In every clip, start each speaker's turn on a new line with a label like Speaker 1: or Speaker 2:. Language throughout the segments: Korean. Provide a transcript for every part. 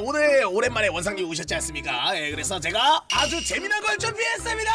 Speaker 1: 오늘 오랜만에 원상님 오셨지 않습니까? 예, 그래서 제가 아주 재미난 걸 준비했습니다.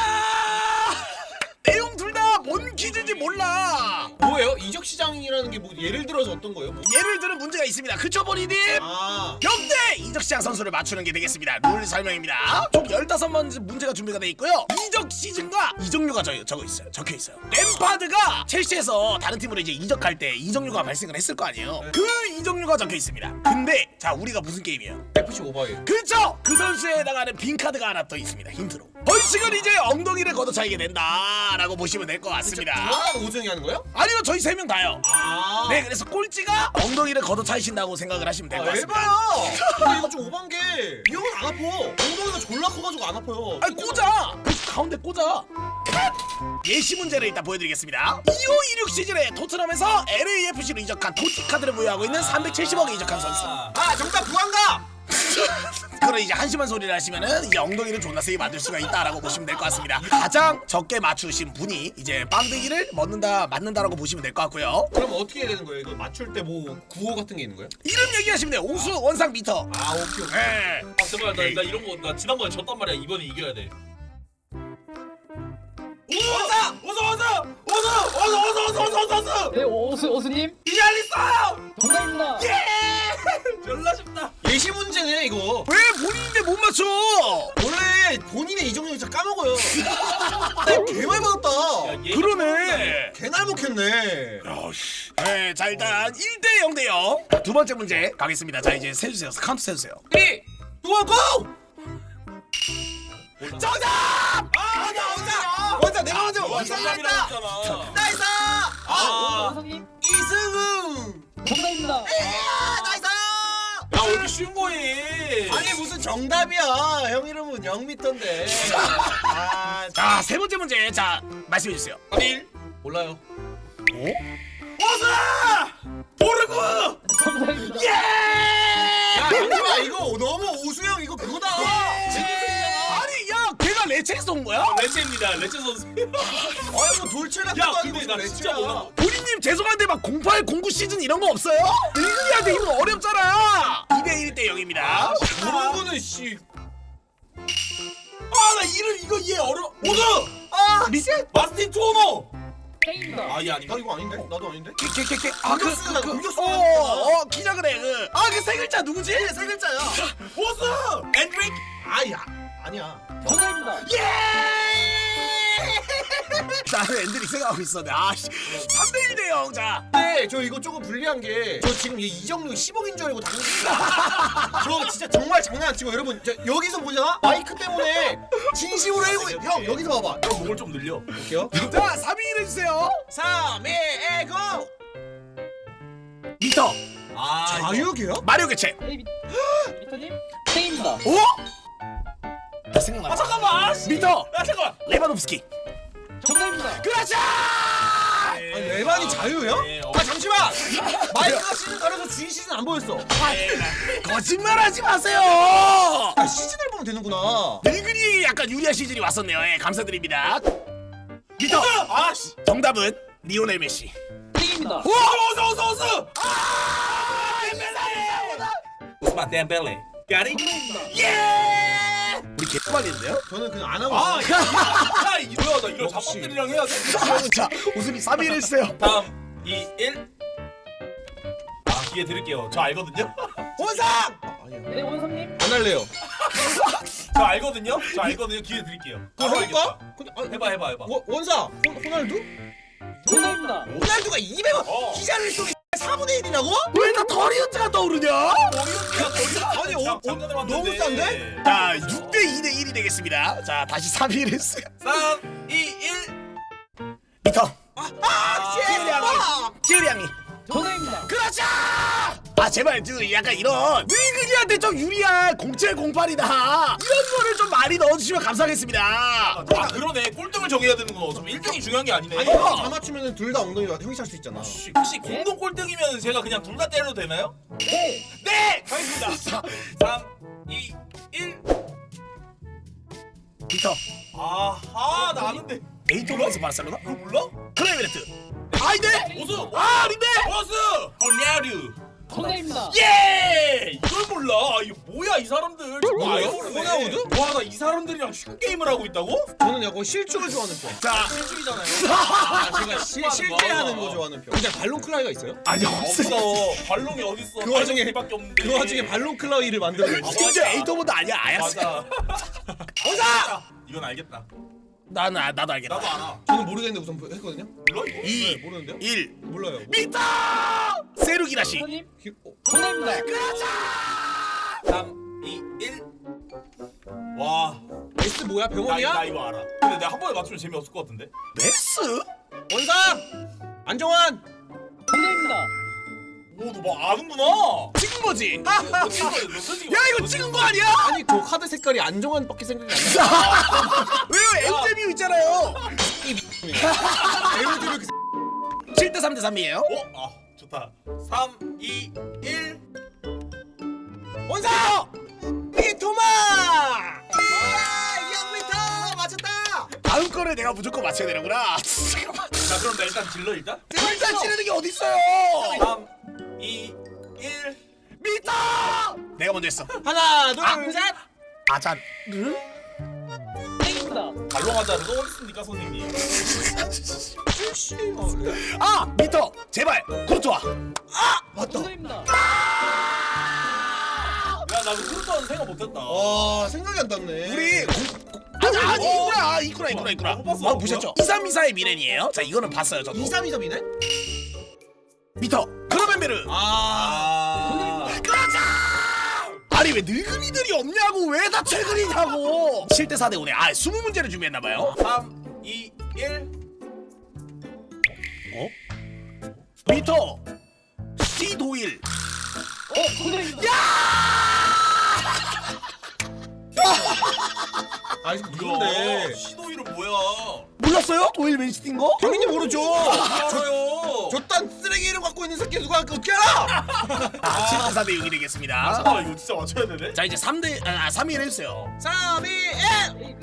Speaker 1: 내용 둘 다 뭔 퀴즈인지 몰라.
Speaker 2: 뭐예요? 이적 시장이라는 게 뭐 예를 들어서 어떤 거예요? 뭐?
Speaker 1: 예를 들은 문제가 있습니다. 그쵸 보리님?
Speaker 2: 아,
Speaker 1: 역대 이적시장 선수를 맞추는 게 되겠습니다. 룰 설명입니다. 총 15번 문제가 준비가 돼 있고요. 이적 시즌과 이적료가 적혀 있어요. 램파드가 첼시에서 다른 팀으로 이제 이적할 때 이적료가 발생을 했을 거 아니에요. 그 이적료가 적혀 있습니다. 근데 자, 우리가 무슨 게임이에요?
Speaker 2: FC 오바예요.
Speaker 1: 그쵸? 그 선수에 해당하는 빈 카드가 하나 더 있습니다. 힌트로. 벌칙은 이제 엉덩이를 걷어차이게 된다라고 보시면 될 것 같습니다.
Speaker 2: 누가 우승이 하는 거예요?
Speaker 1: 아니요, 저희 3명 다요.
Speaker 2: 아,
Speaker 1: 네, 그래서 꼴찌가 엉덩이를 걷어차이신다고 생각을 하시면 될 것 같습니다.
Speaker 2: 에바야. 근데 이거 좀 오반 게 이 형은 안 아파. 엉덩이가 졸라 커가지고 안 아파요.
Speaker 1: 아니, 꽂아! 그 가운데 꽂아. 예시 문제를 일단 보여드리겠습니다. 2526 시즌에 토트넘에서 LAFC로 이적한 토티 카드를 보유하고 있는 370억에 이적한 선수.
Speaker 2: 아, 정답 부안가.
Speaker 1: 그럼 이제 한심한 소리를 하시면은 이제 엉덩이를 존나 세게 만들 수가 있다라고 보시면 될 것 같습니다. 가장 적게 맞추신 분이 이제 빵댕이를 맞는다라고 보시면 될 것 같고요.
Speaker 2: 그럼 어떻게 해야 되는 거예요? 이거 맞출 때 뭐 구호 같은 게 있는 거예요?
Speaker 1: 이름 얘기하시면 돼요. 우수 원상 미터.
Speaker 2: 아, 오케이.
Speaker 1: 네.
Speaker 3: 아 제발 나 이런 거 나 지난번에 졌단 말이야. 이번에 이겨야 돼. 어서.
Speaker 4: 네, 오수님
Speaker 3: 이알리싸.
Speaker 4: 정답입니다.
Speaker 3: 졸라 쉽다.
Speaker 2: 예시 문제네 이거.
Speaker 1: 왜 본인인데 못 맞춰?
Speaker 2: 원래 본인의 이정료 진짜 까먹어요. 개 많이 받았다.
Speaker 1: 그러네.
Speaker 2: 개날 먹혔네.
Speaker 1: 네, 자 일단 1대 0대 0. 두 번째 문제 가겠습니다. 자 이제 세주세요. 카운트 세주세요.
Speaker 2: 3, 2, 1, 고!
Speaker 1: 정답!
Speaker 2: 아, 나 원자 내가 먼저
Speaker 3: 정답이라고
Speaker 2: 원상했다.
Speaker 3: 했잖아.
Speaker 2: 나이스!
Speaker 4: 원상님
Speaker 2: 이승우!
Speaker 4: 정답입니다.
Speaker 2: 나이스!
Speaker 3: 야 왜 이렇게 쉬운 거니?
Speaker 2: 아니 무슨 정답이야. 형 이름은 0m인데. 아,
Speaker 1: 자, 세 번째 문제. 자, 말씀해 주세요.
Speaker 3: 1 몰라요.
Speaker 1: 모르고!
Speaker 4: 정답입니다.
Speaker 1: 예!
Speaker 2: 야, 잠시만 이거 너무 오수형 이거 그거다.
Speaker 1: 아니, 야, 걔가 레체에서 온 거야?
Speaker 3: 레체입니다. 레체 선수.
Speaker 2: 아니 뭐 돌출 같은
Speaker 3: 야
Speaker 2: 거 아니고
Speaker 3: 근데 나
Speaker 2: 무슨
Speaker 3: 진짜
Speaker 2: 레츠야.
Speaker 3: 몰라.
Speaker 1: 보리님 죄송한데 막 08, 09 시즌 이런 거 없어요? 늙은이한테 이거 어렵잖아. 2대 1대 0입니다.
Speaker 2: 모르고는 씨.
Speaker 3: 아나 이름 이거 얘 어려. 오드.
Speaker 2: 아,
Speaker 1: 리셋?
Speaker 3: 마스틴 투오노.
Speaker 4: 땡입니다.
Speaker 3: 아얘 아닌가?
Speaker 2: 나 이거 아닌데? 나도 아닌데?
Speaker 1: 걔.
Speaker 2: 공격수가
Speaker 1: 기자 그래. 그 세 글자 누구지?
Speaker 2: 세 글자야.
Speaker 3: 보스. 엔드릭.
Speaker 2: 아야. 아니야.
Speaker 4: 정답입니다.
Speaker 1: 나는 엔드릭 생각하고 있었네. 아씨. 3대 1대 0. 자.
Speaker 2: 근데 저 이거 조금 불리한 게 저 지금 얘 이정료 10억인 줄 알고 당근입니다. 저 진짜 정말 장난 안 치고 여러분 저 여기서 보잖아? 마이크 때문에 진심으로 해고 형 여기서 봐봐.
Speaker 3: 형 목을 좀 늘려.
Speaker 2: 볼게요.
Speaker 1: 자, 3위 해주세요.
Speaker 2: 3, 2, 1, 고!
Speaker 1: 미터.
Speaker 3: 아
Speaker 2: 자유계야?
Speaker 1: 마리오 개체.
Speaker 4: 미터님 땡입니다.
Speaker 1: 오? 나 생각나.
Speaker 3: 잠깐만.
Speaker 1: 미터.
Speaker 3: 야 잠깐만.
Speaker 1: 레바nov스키.
Speaker 4: 정답입니다.
Speaker 1: 그렇죠.
Speaker 2: 아니 레반이 자유야? 아 잠시만! 마이크가 시즌 가려서 주인 시즌 안 보였어.
Speaker 1: 거짓말하지 마세요.
Speaker 2: 아 시즌을 보면 되는구나.
Speaker 1: 늙은이 약간 유리한 시즌이 왔었네요. 예, 감사드립니다. 미터.
Speaker 3: 아씨.
Speaker 1: 정답은 리오넬 메시.
Speaker 4: 땡입니다.
Speaker 3: 어서. 오스만 덴벨레. 까리.
Speaker 1: 예. 우리 개빨리인데요?
Speaker 2: 저는 그냥 안 하고
Speaker 3: 아,
Speaker 2: 있어요.
Speaker 3: 야 이거야 나 이런
Speaker 2: 역시.
Speaker 3: 잡법들이랑 해야 돼.
Speaker 1: 자, 웃음이 3위를 했어요.
Speaker 3: 3, 2, 1. 아 기회 드릴게요. 저 알거든요.
Speaker 2: 원상! 아니야.
Speaker 4: 네, 원상님
Speaker 2: 안 할래요.
Speaker 3: 저 알거든요. 기회 드릴게요.
Speaker 2: 그거
Speaker 3: 바로
Speaker 2: 해볼까?
Speaker 3: 알겠다.
Speaker 2: 근데
Speaker 3: 해봐.
Speaker 2: 원상! 호날두?
Speaker 4: 정답입니다.
Speaker 2: 호날두가 200원! 기자를 속에 4분의 1이라고?
Speaker 1: 왜 다 더리우트가 떠오르냐?
Speaker 2: 아니 너무 싼데?
Speaker 1: 자, 6대 2대 1이 되겠습니다. 자, 다시 3위를 했어요.
Speaker 3: 3, 2, 1.
Speaker 1: 미터.
Speaker 2: 아!
Speaker 1: 찌리 양이.
Speaker 4: 정답입니다.
Speaker 1: 그렇죠! 아, 제발 약간 이런 늙은이한테 좀 유리한 07, 08이다 이런 거를 좀 많이 넣어주시면 감사하겠습니다.
Speaker 3: 아 그러네. 꼴등을 정해야 되는 거. 좀 1등이 중요한 게 아니네.
Speaker 2: 아니 다 맞추면 둘 다 엉덩이가 형이 찰 수 있잖아.
Speaker 3: 혹시 공동 꼴등이면 제가 그냥 둘 다 때려도 되나요?
Speaker 4: 네.
Speaker 3: 네! 가겠습니다. 3, 2, 1.
Speaker 1: 미터.
Speaker 3: 아하 나 아는데.
Speaker 1: 에이토르에서 바르셀로나?
Speaker 3: 그거 몰라?
Speaker 1: 클레베르트. 아이데.
Speaker 3: 오수.
Speaker 1: 아, 아닌데.
Speaker 3: 버스. 호냐류.
Speaker 4: 정답입니다.
Speaker 3: 예! 이걸 몰라. 아, 이거 뭐야 이 사람들.
Speaker 2: 뭐예요? 호나우드?
Speaker 3: 와, 나 이 사람들이랑 슈 게임을 하고 있다고?
Speaker 2: 저는 약간 실축을 좋아하는 편.
Speaker 1: 자,
Speaker 3: 실중이잖아요.
Speaker 2: 제가 실제 하는 거 좋아하는 편. 근데 발론 클라이가 있어요?
Speaker 1: 아니
Speaker 3: 없어. 발롱이 어딨어?
Speaker 2: 그 와중에-
Speaker 3: 밖에 없는데.
Speaker 2: 그 와중에 발론 클라이를 만들어냈어.
Speaker 1: 심지어 에이터보드 아니야 아야스.
Speaker 3: 맞아.
Speaker 1: 원사.
Speaker 3: 이건 알겠다.
Speaker 1: 나도 알겠다.
Speaker 3: 나도 알아.
Speaker 2: 저는 모르겠는데 우선 했거든요.
Speaker 3: 몰라 이거?
Speaker 1: 2,
Speaker 2: 모르는데요?
Speaker 1: 1
Speaker 2: 몰라요.
Speaker 1: 미터 세루기라시.
Speaker 4: 선생님
Speaker 2: 어?
Speaker 4: 정답입니다.
Speaker 3: 3, 2, 1. 와.
Speaker 2: S 뭐야?
Speaker 3: 나
Speaker 2: 병원이야?
Speaker 3: 이거 알아. 근데 내가 한 번에 맞추면 재미없을 것 같은데.
Speaker 1: 메스?
Speaker 2: 원상! 안정환!
Speaker 4: 정답입니다.
Speaker 3: 오, 너 뭐 아는구나.
Speaker 1: 찍은 거지.
Speaker 3: 너 찍은 거야. 너 찍은
Speaker 1: 야 이거 찍은 거 아니야?
Speaker 2: 아니 저 카드 색깔이 안정환밖에 생각이 안 나.
Speaker 1: 왜요? 엔제뮤 있잖아요.
Speaker 2: 에로드 이렇게
Speaker 1: 7대 3대 3이에요.
Speaker 3: 아, 좋다. 3, 2, 1.
Speaker 2: 원상! 미토마! 이야 미터 맞췄다!
Speaker 1: 다음 거를 내가 무조건 맞춰야 되는구나. 잠깐만.
Speaker 3: 자, 그럼 나 일단 질러 일단.
Speaker 1: 일단 치르는 게 어디 있어요?
Speaker 3: 3, 2, 1.
Speaker 1: 미터. 내가 먼저 했어.
Speaker 2: 하나 둘 셋!
Speaker 1: 아잔.
Speaker 4: 땡입니다.
Speaker 3: 발롱하자를 또 어딨습니까, 선생님?
Speaker 1: 아 미터 제발 코르투아. 아 맞다.
Speaker 4: 정답입니다.
Speaker 3: 야, 나 이거 그렇다는 생각 못했다.
Speaker 2: 와 생각이 안 났네.
Speaker 1: 우리 아니 이구나.
Speaker 3: 못 봤어.
Speaker 1: 보셨죠? 2324의 미렌이에요. 자 이거는 봤어요 저도.
Speaker 2: 2323이네?
Speaker 1: 미터 크로벤베르.
Speaker 3: 아.
Speaker 1: 아니 왜 늙은이들이 없냐고 왜 다 최근이냐고. 7대 4대 5네. 아 20문제를 준비했나봐요.
Speaker 3: 3, 2, 1.
Speaker 1: 어? 미터 C 도일.
Speaker 4: 정답입니다.
Speaker 2: 아 이거
Speaker 3: 이야,
Speaker 2: 누군데?
Speaker 3: 시도 이름 뭐야?
Speaker 1: 몰랐어요? 도일 맨시티인 거?
Speaker 2: 당연히 모르죠.
Speaker 3: 알아요.
Speaker 2: 저딴 쓰레기 이름 갖고 있는 새끼 누가 어떻게 알아?
Speaker 1: 7대 4대 6이 되겠습니다.
Speaker 3: 아, 이거 진짜 맞춰야 되네.
Speaker 1: 자 이제 3대 3위 해주세요.
Speaker 2: 3, 2, 1!
Speaker 4: 에이,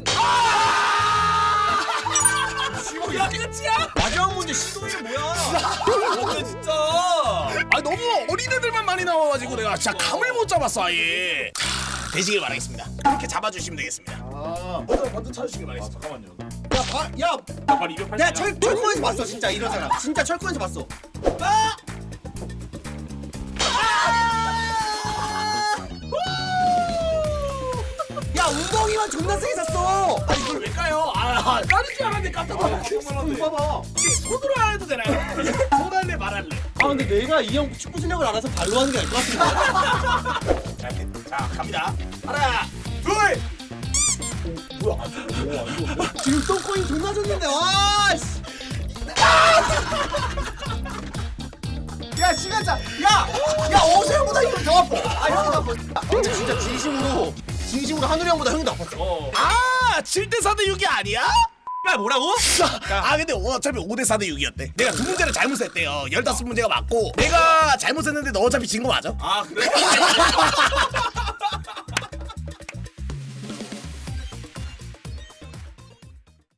Speaker 3: 야, 끝이야?
Speaker 2: 마지막 문제 시도이 뭐야?
Speaker 3: 근데 진짜.
Speaker 1: 아 너무 어린애들만 많이 나와가지고 내가 진짜 감을 못 잡았어 아예. 자, 되시길 바라겠습니다. 이렇게 잡아주시면 되겠습니다.
Speaker 3: 아, 먼저 찾으시길 바라겠습니다. 잠깐만요.
Speaker 2: 야,
Speaker 3: 나 바로 280.
Speaker 2: 내가 철권에서 봤어 진짜 이런 사람. 진짜 철권에서 봤어. 야 웅덩이만 존나 세게 샀어.
Speaker 1: 아 이걸 왜 까요? 아 까는 줄 알았는데 깜짝 놀랐네.
Speaker 2: 봐봐.
Speaker 1: 손으로 안 해도 되나요? 손 할래 말 할래?
Speaker 2: 아 근데 내가 이 형 축구 실력을 알아서 발로 하는 게 아닐 것 같은데.
Speaker 3: 자, 갑니다. 하나, 둘.
Speaker 2: 지금 똥꼬인 존나 줬는데 와 씨. 야 시간차. 야 어세형보다 형이 더 아파. 아 형이 더 아파. 아, 근데 진짜 진심으로 한우리 형보다 형이 더 아팠어.
Speaker 1: 아 7대 4대 6이 아니야?
Speaker 2: 야 뭐라고?
Speaker 1: 아 근데 어차피 5대 4대 6이었대. 내가 두 문제를 잘못했대요. 15문제가 맞고 내가 잘못했는데 너 어차피 진 거 맞아?
Speaker 3: 아, 그래?